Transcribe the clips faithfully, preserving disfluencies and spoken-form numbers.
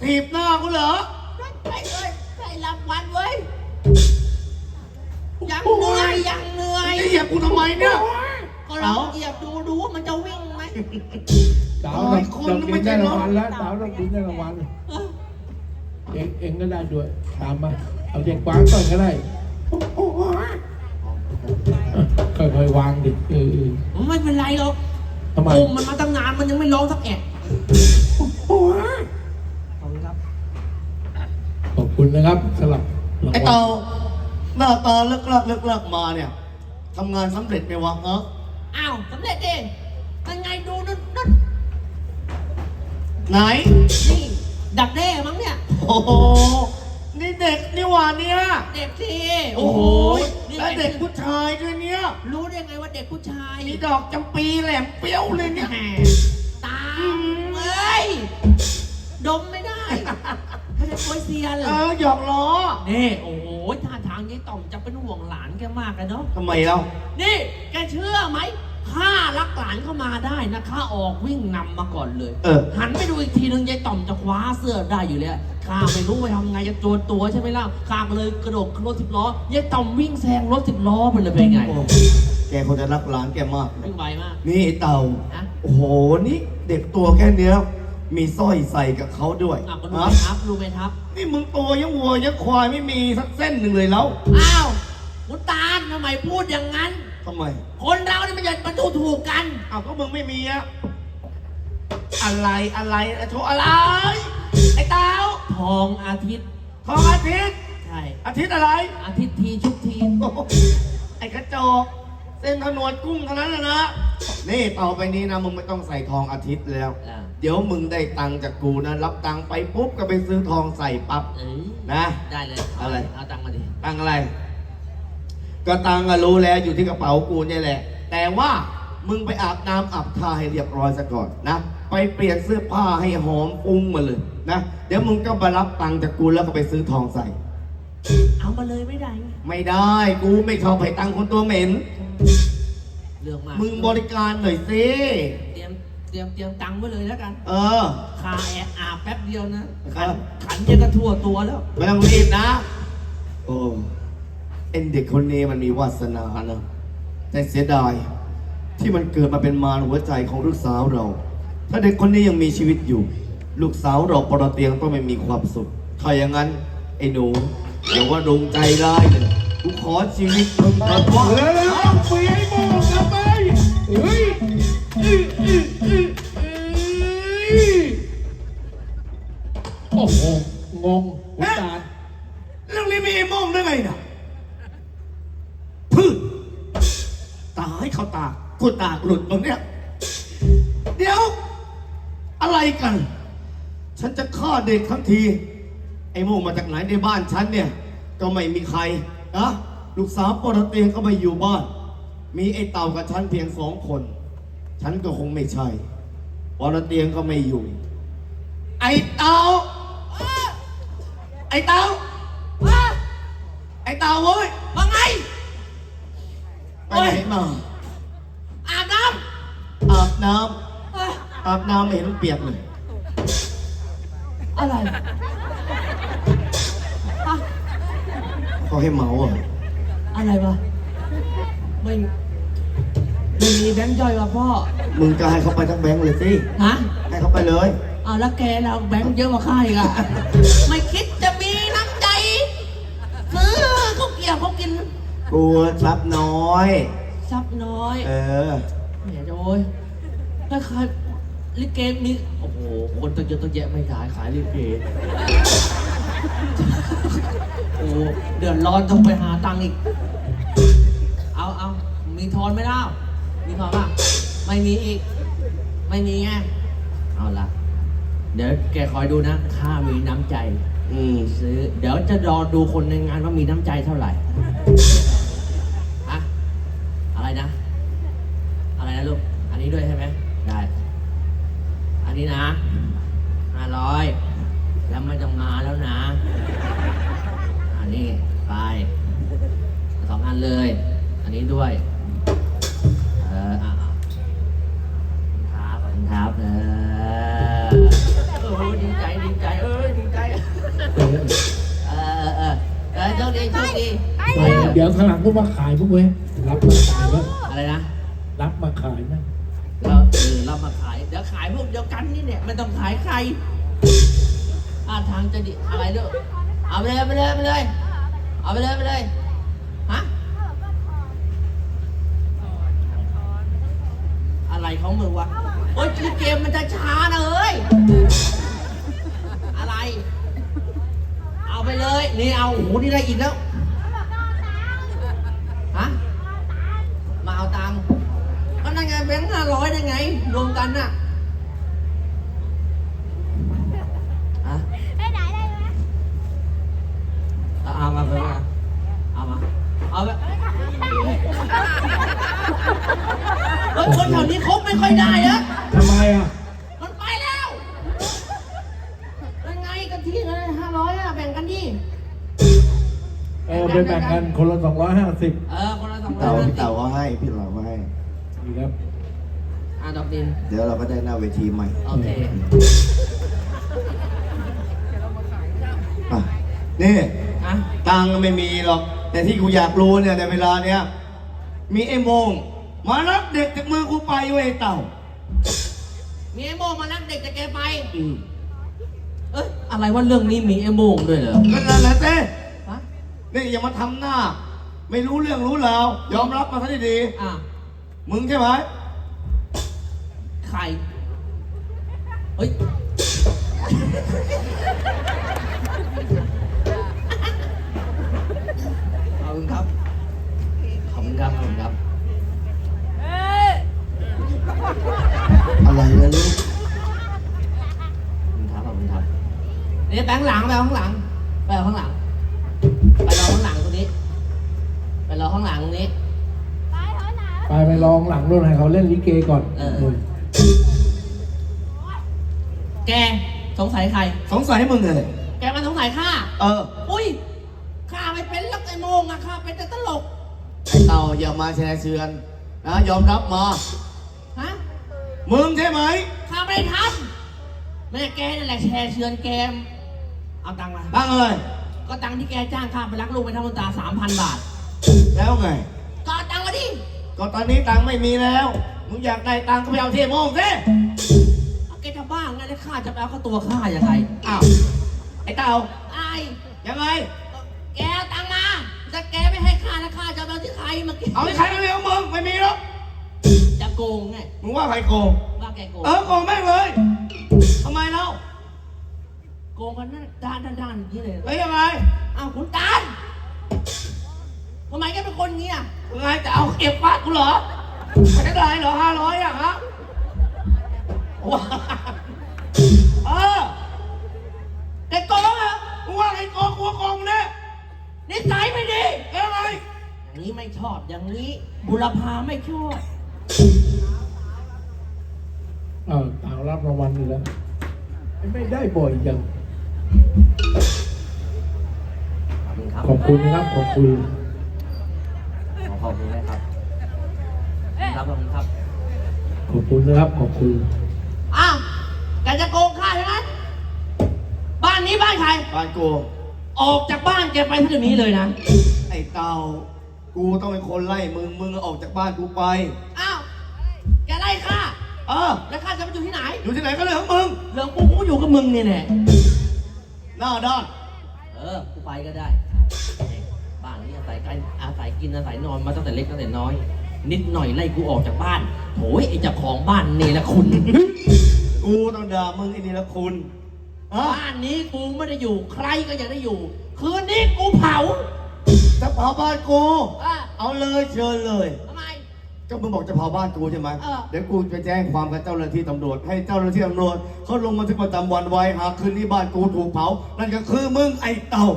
ถีบหน้ากูเหรอไอ้เอ้ยใส่รางวัลเว้ยยังเหนื่อยยังเหนื่อยเหยียบกูทำไมเนี่ยก็เราเหยียบดูดูว่ามันจะวิ่งไหมสาวเราเรากินได้รางวัลแล้วสาวเรากินได้รางวัลเองเองก็ได้ด้วยตามมาเอาเด็กวางก่อนก็ได้ค่อยๆวางดิเออไม่เป็นไรหรอกทำไมมันมาตั้งนานมันยังไม่ร้องสักแอะขอบคุณครับขอบคุณนะครับสำหรับไอ้เต่าหน้าตาเลิกลักเลิกลักมาเนี่ยทำงานสำเร็จไหมวะเอออ้าวสำเร็จเองยังไงดูนั่นนั่นไหนนี่ดักแด้มั้งเนี่ยโอ้โหนี่เด็กนี่หว่าเนี่ยเด็กสิโอ้โหแล้วเด็กผู้ชายด้วยเนี่ยรู้ได้ไงว่าเด็กผู้ชายมีดอกจำปีแหลมเปรี้ยวเลยเนี่ยตามเอ้ยดมไม่ได้ไม่ได้โปรยเซียนเออหยอกล้อนี่โอ้โหท่าทางนี้ต่อมจะเป็นห่วงหลานแกมากเลยเนาะทำไมเล่านี่แกเชื่อไหมข้ารักหลานเข้ามาได้นะข้าออกวิ่งนำมาก่อนเลยเออหันไปดูอีกทีนึงยายต่อมจะคว้าเสื้อได้อยู่แล้วข้าไม่รู้ไปทำไงจะโจรตัวใช่ไหมล่ะข้าก็เลยกระโดดรถสิบล้อยายต่อมวิ่งแซงรถสิบล้อไปเลยเป็นไงแกคงจะรักหลานแกมากวิ่งไวมากนี่เต่าโอ้โหนี่เด็กตัวแค่เนี้ยมีสร้อยใส่กับเขาด้วยอ่ะก็รู้ไหมครับรู้ไหมครับนี่มึงตัวยังวัวยังควายไม่มีสักเส้นหนึ่งเลยแล้วอ้าวมุตาลทำไมพูดอย่างนั้นทำไมคนเราเนี่ยมันจะมาดูถูกกันอ้าวก็มึงไม่มีอะอะไรอะไรโชว์อะไรไอ้เต้าทองอาทิตย์ทองอาทิตย์ใช่อาทิตย์อะไรอาทิตย์ทีชุกทีไอ้กระจอกเส้นถนนกุ้งเท่านั้นนะนี่ต่อไปนี้นะมึงไม่ต้องใส่ทองอาทิตย์แล้วเดี๋ยวมึงได้ตังค์จากกูนะรับตังค์ไปปุ๊บก็ไปซื้อทองใส่ปั๊บนะได้เลยอะไรเอาตังค์มาดิตังค์อะไรก็ตังค์อะรู้แล้วอยู่ที่กระเป๋ากูนี่แหละแต่ว่ามึงไปอาบน้ำอาบท่าให้เรียบร้อยซะก่อนนะไปเปลี่ยนเสื้อผ้าให้หอมฟุ้งมาเลยนะเดี๋ยวมึงก็มารับตังค์จากกูแล้วก็ไปซื้อทองใส่เอามาเลยไม่ได้ไม่ได้กูไม่ชอบให้ตังค์คนตัวเหม็นเรื่องมากมึงบริการหน่อยสิเตรียมเตรียมเตรียมตังค์ไว้เลยแล้วกันเออคาแอบอาบแป๊บเดียวนะขันขันจะกระทั่วตัวแล้วไม่ต้องรีบนะโอ้เอ็นเด็กคนนี้มันมีวาสนานะแต่เสียดายที่มันเกิดมาเป็นมารหัวใจของลูกสาวเราถ้าเด็กคนนี้ยังมีชีวิตอยู่ลูกสาวเราปรเตียงต้องไม่มีความสุขถ้าอย่างนั้นไอ้หนูเดี๋ยวว่าดงใจร้ายเลยกูขอชีวิตมึงเถิดวะแล้วเปียให้โม่กลับไปเฮ้ยโอ้โหงงหุนตาลเรื่องนี้มีไอ้โม่งได้ไงนะพึ่งตาให้เขาตากูตาหลุดตรงเนี้ยเดี๋ยวอะไรกันฉันจะฆ่าเด็กทั้งทีไอ้โม่งมาจากไหนในบ้านฉันเนี่ยก็ไม่มีใครนะลูกสาวปรเตียงก็ไม่อยู่บ้านมีไอ้เต่ากับฉันเพียงสองคนฉันก็คงไม่ใช่ปรเตียงก็ไม่อยู่ไอ้เต่าไอ้เต่าไอ้เต่าเว้ยว่าไงไปไหนมาอาบน้ำอาบน้ำอาบน้ำเห็นเปียกเลยอะไรเขาให้เมาอ่ะอะไรวะไม่ไม่มีแบงค์ย่อยว่ะพ่อมึงจะให้เขาไปทั้งแบงค์เลยสิฮะให้เขาไปเลยอ้าวแล้วแกเราแบงค์เยอะกว่าข้าอีกอะไม่คิดจะมีน้ำใจซื้อเขาเกี่ยวเขากินกูซับน้อยซับน้อยเออเนี่ยโอ้ยถ้าใครลิเกมีโอ้โหคนตั้งเยอะตั้งแยะไม่ขายขายลิเกโอ้เดือดร้อนต้องไปหาตังค์อีกเอาเอามีทอนไหมเล่ามีทอนป่ะไม่มีอีกไม่มีไงเอาละเดี๋ยวแกคอยดูนะข้ามีน้ำใจอืมซื้อเดี๋ยวจะรอดูคนในงานว่ามีน้ำใจเท่าไหร่อะอะไรนะอะไรนะลูกอันนี้ด้วยใช่ไหมได้อันนี้นะห้าร้อยแล้วไม่ต้องมาแล้วนะอันนี้ไปสองอันเลยอันนี้ด้วยเอออ่ะครับขอบคุณครับเออโอ้ดีใจดีใจเอ้ยดีดีโชคดีเออเดี๋ยวข้างหลังพวกมาขายพวกเว้ยรับมาขายไหมอะไรนะรับมาขายไหมเราเออเรามาขายเดี๋ยวขายพวกเดียวกันนี่เนี่ยไม่ต้องขายใครท่าทางจะดีอะไรเด้อเอาไปเลยเอาไปเลยเอาไปเลยเอาไปเลยเอาไปเลยฮะอะไรของมึงวะโอ๊ยคือเกมมันจะช้านะเอ้ยอะไรเอาไปเลยนี่เอาโอ้โหนี่ได้อีกแล้วฮะมาเอาตังค์ก็นั่นไงแบงค์ห้าร้อยได้ไงรวมกันน่ะฮะไปไหนได้ไหมเอาเอามาไปมาเอามาเอาไปเฮ้ยคนแถวนี้คบไม่ค่อยได้อะทำไมอ่ะมันไปแล้วยังไงกันที่เงินห้าร้อยอะแบ่งกันดิเออไปแบ่งกันคนละสองร้อยห้าสิบเออคนละสองร้อเต่ายห้าสิพี่บเต่าก็ให้พี่เราก็ให้นี่ครับอ่ะดอกดินเดี๋ยวเราก็ได้หน้าเวทีใหม่โอเคอ่ะนี่อ่ะตังค์ไม่มีหรอก แต่ที่กูอยากรู้เนี่ยในเวลาเนี้ยมีไอ้โมงมารับเด็กจากมือกูไปเว้ยไอ้เต่ามีไอ้โมงมานักเด็กจะแกไปอืมเอ้ยอะไรว่าเรื่องนี้มีไอ้โมงด้วยเหรอก็นั่นแหละเต้ฮะนี่อย่ามาทำหน้า ไม่รู้เรื่องรู้ราวยอมรับมาซะดีอ่ะๆมึงใช่ไหมใครเฮ้ยขอบคุณครับขอบคุณครับขอบคุณครับอะไรนะลูกขอบคุณครับขอบคุณครับนี่แบงค์หลังไปเอาข้างหลังไปเอาข้างหลังไปรอข้างหลังตรงนี้ไปรอข้างหลังตรงนี้ไปเถอะหนาไปไปลองหลังนู่นให้เขาเล่นลิเกก่อนเออเออแกสงสัยใครสงสัยมึงเลยแกมาสงสัยข้าเอออุ้ยข้าไม่เป็นลักไอ้โมงอะข้าเป็นแต่ตลกไอ้เต่าอย่ามาแชร์เชือนนะยอมรับมาฮะมึงใช่ไหมข้าไม่ได้ทำแม่แกนั่นแหละแชร์เชือนแกมเอาตังค์มาตั้งเลยก็ตังค์ที่แกจ้างข้าไปรักลูกไปทำบุญตาสามพันบาทแล้วไงก็เอาตังค์มาดิก็ตอนนี้ตังค์ไม่มีแล้ว มึงอยากได้ตังค์ก็ไปเอาที่โมงสิเอาแกจะบ้าไงแล้วข้าจะไปเอาเข้าตัวข้ายังไงอ้าว ไอ้เต่าไอ้ยังไงแกเอาตังค์มาถ้าแกไม่ให้ข้านะข้าจะเอาที่ใครมากินเอาที่ใครไม่มีของมึงไม่มีหรอกจะโกงไงมึงว่าใครโกงว่าแกโกงเออโกงแม่งเลยทำไมเล่าโกงกันนั่นด้านด้านด้านอย่างนี้เลยเฮ้ยยังไงอ้าวคุณตาลทำไมแกเป็นคนอย่างนี้อ่ะยังไงจะเอาเก็บฟาดกูเหรอไม่ได้ไรเหรอห้าร้อยอ่ะฮะว้าเออแกโกงอ่ะมึงว่าใครโกงกูว่าโกงมึงเนี่ยนิสัยไม่ดียังไงอย่างนี้ไม่ชอบอย่างนี้บุรพาไม่ชอบเออต่างรับรางวัลอยู่แล้วไม่ได้บ่อยจังขอบคุณครับขอบคุณนะครับขอบคุณขอขอบคุณนะครับครับขอบคุณครับขอบคุณนะครับขอบคุณอ้าวแกจะโกงข้าใช่ไหมบ้านนี้บ้านใครบ้านกูออกจากบ้านแกไปที่นี้เลยนะไอ้เต่ากูต้องเป็นคนไล่มึงมึงออกจากบ้านกูไปอ้าวแกไล่ข้าเออแล้วข้าจะไปอยู่ที่ไหนอยู่ที่ไหนก็เรื่องของมึงเรื่องกูกูอยู่กับมึงเนี่ยแหละหน้าด้านเออ กูไปก็ได้ บ้านนี้อาศัยกันอาศัยกินอาศัยนอนมาตั้งแต่เล็กตั้งแต่น้อย นิดหน่อยไล่กูออกจากบ้านโถยไอ้เจ้าของบ้านเนรคุณกูต้องด่ามึงไอ้นี่ละคุณฮะบ้านนี้กูไม่ได้อยู่ ใครก็อยากได้อยู่ คืนนี้กูเผาจะเผาบ้านกูอ่ะเอาเลยเชิญเลยทำไมก็มึงบอกจะเผาบ้านกูใช่ไหมเออเดี๋ยวกูไปแจ้งความกับเจ้าหน้าที่ตำรวจ ให้เจ้าหน้าที่ตำรวจเขาลงบันทึกประจำวันไว้หากคืนนี้บ้านกูถูกเผา นั่นก็คือมึงไอ้เต่า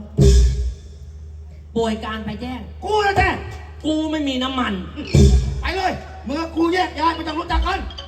ป่วยการไปแจ้งกูนะแจ้งกูไม่มีน้ำมันไปเลยมึงกับกูแยกย้ายไม่ต้องรู้จักกันเ